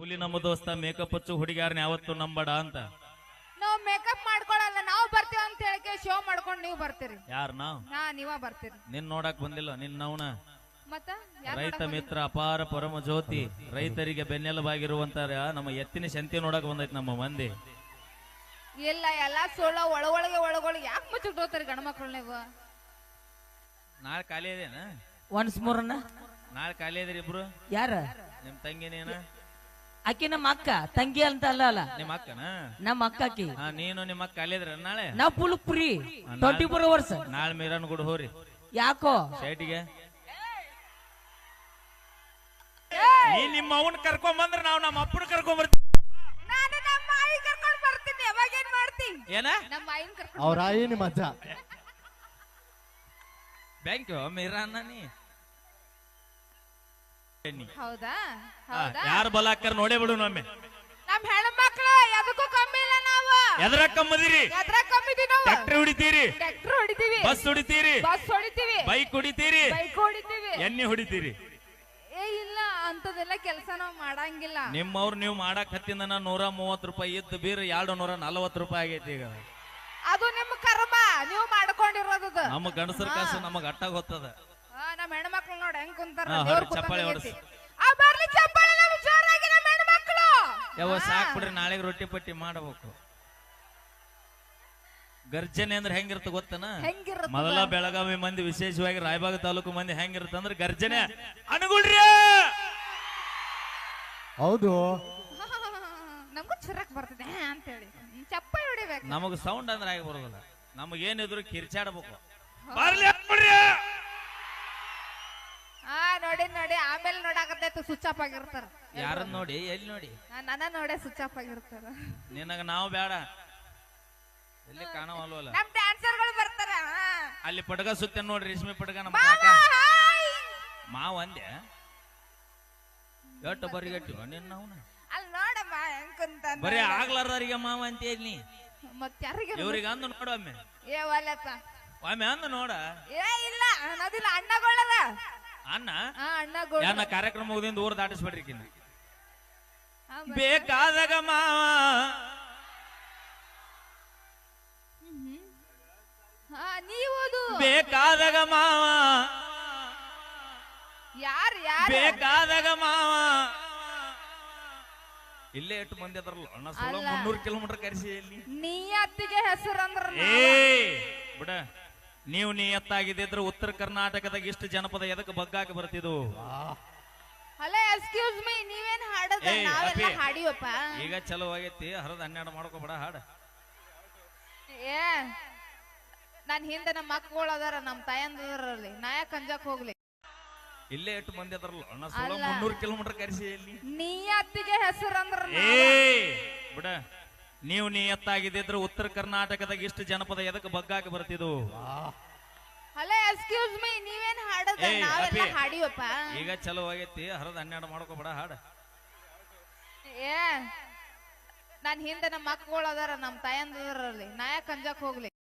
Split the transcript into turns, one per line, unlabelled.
ಹುಲಿ ನಮ್ಮ ದೋಸ್ತ ಮೇಕಪ್ ಹಚ್ಚು ಹುಡುಗಿಯಾರನ್ನ ಯಾವತ್ತು ನಂಬಡ ಅಂತ.
ನಾವ್ ಮೇಕಪ್ ಮಾಡ್ಕೊಳಲ್ಲ, ನಾವು ಬರ್ತೀವಿ ಅಂತ ಹೇಳಕ್ಕೆ ಶೋ ಮಾಡ್ಕೊಂಡು ನೀವು ಬರ್ತೀರಿ.
ಯಾರ್ ನಾವ್?
ನೀವ ಬರ್ತೀರಿ.
ನಿನ್ ನೋಡಕ್ ಬಂದಿಲ್ಲ, ನಿನ್ ನವ್ನ
ಮತ್ತ
ರೈತ ಮಿತ್ರ ಅಪಾರ ಪರಮ ಜ್ಯೋತಿ, ರೈತರಿಗೆ ಬೆನ್ನೆಲುಬಾಗಿರುವಂತ ನಮ್ಮ ಎತ್ತಿನ ಶಂತಿ ನೋಡಕ್ ಬಂದೈತಿ ನಮ್ಮ ಮಂದಿ.
ಇಲ್ಲ ಎಲ್ಲಾ ಸೋಳ ಒಳಗೊಳಗೆ ಯಾಕೆ ಮುಚ್ಚಿಟ್ಟೋತಾರಿ ಗಂಡ ಮಕ್ಳು ನೀವು?
ನಾಳೆ ಖಾಲಿ ಇದೇನ?
ಒನ್ಸ್ ಮೂರ್
ನಾಳೆ ಖಾಲಿ ಇದ್ರಿ ಇಬ್ರು?
ಯಾರ?
ನಿಮ್ ತಂಗಿ ನೀನ?
ಆಕಿ ನಮ್ಮ ಅಕ್ಕ, ತಂಗಿ ಅಂತ ಅಲ್ಲ ಅಲ್ಲ,
ನಿಮ್ಮ ಅಕ್ಕನ?
ನಮ್ಮ ಅಕ್ಕ ಆಕಿ.
ನೀನು ನಿಮ್ಮ ಅಕ್ಕ ಖಾಲಿ ಇದ್ರ ನಾಳೆ?
ನಾವ್ ಫುಲ್ ಫ್ರೀ 24 hours.
ನಾಳೆ ಮೀರನ್ ಗುಡ್ ಹೋರಿ.
ಯಾಕೋ
ಶೈಟಿಗೆ ನೀ ನಿಮ್ಮ ಅವನ್ ಕರ್ಕೊಂಡ್ ಬಂದ್ರ ನಾವ್ ನಮ್ಮ ಅಪ್ಪನ ಕರ್ಕೊಂಡ್ ಬರ್ತೀವಿ.
ನಾನು ನಮ್ಮ ಆಯಿ ಕರ್ಕೊಂಡು ಬರ್ತೀನಿ. ಅವಾಗ ಏನ್ ಮಾಡ್ತಿ?
ಏನ?
ನಮ್ಮ ಆಯಿನ ಕರ್ಕೊಂಡು
ಅವ್ರ ಆಯಿ ನಿಮ್ಮ ಅಜ್ಜ.
ಬ್ಯಾಂಕ್ ಮೀರಾನ ನೀ
ಹೌದಾ? ಹೌದಾ?
ಯಾರು ಬಲ ಹಾಕ್ತಾರ ನೋಡೇ ಬಿಡು. ನಮ್ಮೆ
ನಮ್ ಹೆಣ್ಮಕ್ಳು ಎದಕ್ಕೂ ಕಮ್ಮಿ ಇಲ್ಲ. ನಾವು
ಎದ್ರ ಕಮ್ಮದಿರಿ?
ಎದ್ರ ಕಮ್ಮಿದೀವಿ ನಾವು.
ಟ್ರ್ಯಾಕ್ಟರ್ ಹೊಡಿತೀರಿ,
ಟ್ರ್ಯಾಕ್ಟರ್ ಹೊಡಿತೀವಿ,
ಬಸ್ ಹೊಡಿತೀರಿ,
ಬಸ್ ಹೊಡಿತೀವಿ,
ಬೈಕ್ ಹೊಡಿತೀರಿ,
ಬೈಕ್ ಹೊಡಿತೀವಿ,
ಎಣ್ಣೆ ಹೊಡಿತೀರಿ.
ಇಲ್ಲ ಅಂತದೆಲ್ಲ ಕೆಲಸ ನಾವ್ ಮಾಡಂಗಿಲ್ಲ.
ನಿಮ್ಮವ್ರು ನೀವು ಮಾಡಕ್ ಹತ್ತಿಂದ 130 ರೂಪಾಯಿ ಇದ್ದು ಬೀರ್ 240 ರೂಪಾಯಿ ಆಗೈತಿ ಈಗ.
ಅದು ನಿಮ್ ಕರ್ಮ, ನೀವು ಮಾಡ್ಕೊಂಡಿರೋದು.
ನಮ್ಮ ಗಂಡಸರ ಕಾಸು ನಮಗ್ ಅಟ್ಟಾಗ ಹೋಗ್ತದ.
ನಮ್ ಹೆಣ್ಮಕ್ಳು ನೋಡಿ ಹೆಂಗ್ ಕುಂತಾರ.
ಚಪ್ಪಾಳೆ ಹೊಡ್ಸಿ.
ಬರ್ಲಿ ಚಪ್ಪಾಳೆ ನಮ್ ಜೋರಾಗಿ ನಮ್ ಹೆಣ್ಮಕ್ಳು.
ಯಾವ ಸಾಕ್ ಬಿಡ್ರಿ, ನಾಳೆಗೆ ರೊಟ್ಟಿ ಪಟ್ಟಿ ಮಾಡಬೇಕು. ಗರ್ಜನೆ ಅಂದ್ರೆ ಹೆಂಗಿರ್ತ ಗೊತ್ತನ? ಮೊದಲ ಬೆಳಗಾವಿ ಮಂದಿ, ವಿಶೇಷವಾಗಿ ರಾಯಬಾಗ ತಾಲೂಕು ಮಂದಿ ಹೆಂಗಿರುತ್ತ ಅಂದ್ರೆ ಗರ್ಜನೆ ಅನುಗುಳ್ರಿ.
ಹೌದು,
ನಮಗೂ ಚಿರಕ್ ಬರ್ತದೆ ಅಂತ ಹೇಳಿ ಚಪ್ಪಾಳೆ ಹೊಡಿಬೇಕು.
ನಮಗ್ ಸೌಂಡ್ ಅಂದ್ರೆ ಆಗಿ ಬರೋದಿಲ್ಲ. ನಮಗೇನಿದ್ರು ಕಿರ್ಚಾಡ್ಬೇಕು.
ನೋಡಿ ನೋಡಿ ಆಮೇಲೆ ನೋಡಾಕತ್ತೈತು ಸ್ವಿಚ್ ಆಫ್ ಆಗಿರ್ತಾರ.
ಯಾರನ್ನ ನೋಡಿ? ಎಲ್ಲಿ ನೋಡಿ?
ನನ್ನ ನೋಡೇ ಸ್ವಿಚ್ ಆಫ್ ಆಗಿರ್ತಾರ.
ನಿನಗ ನಾವು ಬೇಡ, ಎಲ್ಲಿ ಕಾಣವಲ್ವಲ್ಲ.
ನಮ್ ಡ್ಯಾನ್ಸರ್ ಗಳು ಬರ್ತಾರ.
ಅಲ್ಲಿ ಪಡ್ಗ ಸುತ್ತ ನೋಡ್ರಿ, ರೇಷ್ಮೆ ಪಡ್ಗ. ನಮ್ಮ ಮಾವ ಅಂದೆ ಎಟ್ಟು ಬರಿಗಟ್ಟಿ ನಿನ್ನ
ಅಲ್ಲಿ ನೋಡಮ್ಮ ಹೆಂಗ್ ಕುಂತ.
ಬರೀ ಆಗ್ಲಾರ್ದಾರಿಗೆ ಮಾವ ಅಂತ ಹೇಳಿ
ಮತ್ ಯಾರಿಗೆ
ಇವ್ರಿಗೆ ಅಂದು ನೋಡು ಒಮ್ಮೆ.
ಏ ಒಲ್ಲಪ್ಪ,
ಒಮ್ಮೆ ಅಂದು ನೋಡ.
ಏ ಇಲ್ಲ ಅನ್ನೋದಿಲ್ಲ, ಅಣ್ಣಗಳದ
ಅಣ್ಣ.
ಅಣ್ಣಗಳು
ಯಾನ ಕಾರ್ಯಕ್ರಮ ಮುಗಿದಿಂದ ಊರ್ ದಾಟಿಸ್ಬಿಡ್ರಿ ಕಿನ್ನ. ಬೇಕಾದಾಗ ಮಾವ,
ನೀವು
ಬೇಕಾದಾಗ ಮಾವ,
ಯಾರು ಯಾರು
ಬೇಕಾದಾಗ ಮಾವ. ಇಲ್ಲೇ ಎಷ್ಟು ಮಂದಿ ಅದ್ರಲ್ಲ ಅಣ್ಣ, 300 ಕಿಲೋಮೀಟರ್ ಕರೆಸಿ. ಇಲ್ಲಿ
ನಿಯತ್ತಿಗೆ ಹೆಸರು ಅಂದ್ರ
ಬಿಡ. ನೀವು ನಿಯತ್ತಾಗಿದ್ದಿದ್ರೆ ಉತ್ತರ ಕರ್ನಾಟಕದಾಗ ಇಷ್ಟು ಜನಪದ ಎದಕ್ಕೆ ಬಗ್ಗಾಕ ಬರ್ತಿದ್ವು?
ಅಲ್ಲ ಎಕ್ಸ್ಕ್ಯೂಸ್ ಮೀ, ನೀವೇನ್ ಹಾಡೋದ? ನಾವೆಲ್ಲ ಹಾಡಿವಪ್ಪ.
ಈಗ ಚಲೋ ಆಗೈತಿ, ಹರದ 12 ಮಾಡ್ಕೋಬೇಡ ಹಾಡ.
ಏ ನನ್ ಹಿಂದೆ ನಮ್ಮ ಮಕ್ಕಳು ಅದಾರ, ನಮ್ ತಾಯಂದ್ರಲ್ಲಿ ನಾಯಕ್ ಅಂಜಾಕ್ ಹೋಗ್ಲಿ.
ಇಲ್ಲೇ ಎಷ್ಟು ಮಂದಿ ಅದ್ರಲ್ಲ ಅಣ್ಣ, 300 ಕಿಲೋಮೀಟರ್ ಕರೆಸಿ. ಇಲ್ಲಿ
ನಿಯತ್ತಿಗೆ ಹೆಸರು ಅಂದ್ರ
ಬಿಡ. ನೀವು ನಿಯತ್ತಾಗಿದ್ದಿದ್ರೆ ಉತ್ತರ ಕರ್ನಾಟಕದಾಗ ಇಷ್ಟು ಜನಪದ ಎದಕ್ಕೆ ಬಗ್ಗಾಕ ಬರ್ತಿದ್ವು?
ಅಲ್ಲ ಎಕ್ಸ್ಕ್ಯೂಸ್ ಮೀ, ನೀವೇನ್ ಹಾಡೋದ? ನಾವೆಲ್ಲ ಹಾಡಿವಪ್ಪ.
ಈಗ ಚಲೋ ಆಗೈತಿ, ಹರದ 12 ಮಾಡ್ಕೋಬೇಡ ಹಾಡ.
ಏ ನನ್ ಹಿಂದೆ ನಮ್ಮ ಮಕ್ಕಳು ಅದಾರ, ನಮ್ ತಾಯಂದ್ರಲ್ಲಿ ನಾಯಕ್ ಅಂಜಾಕ್ ಹೋಗ್ಲಿ.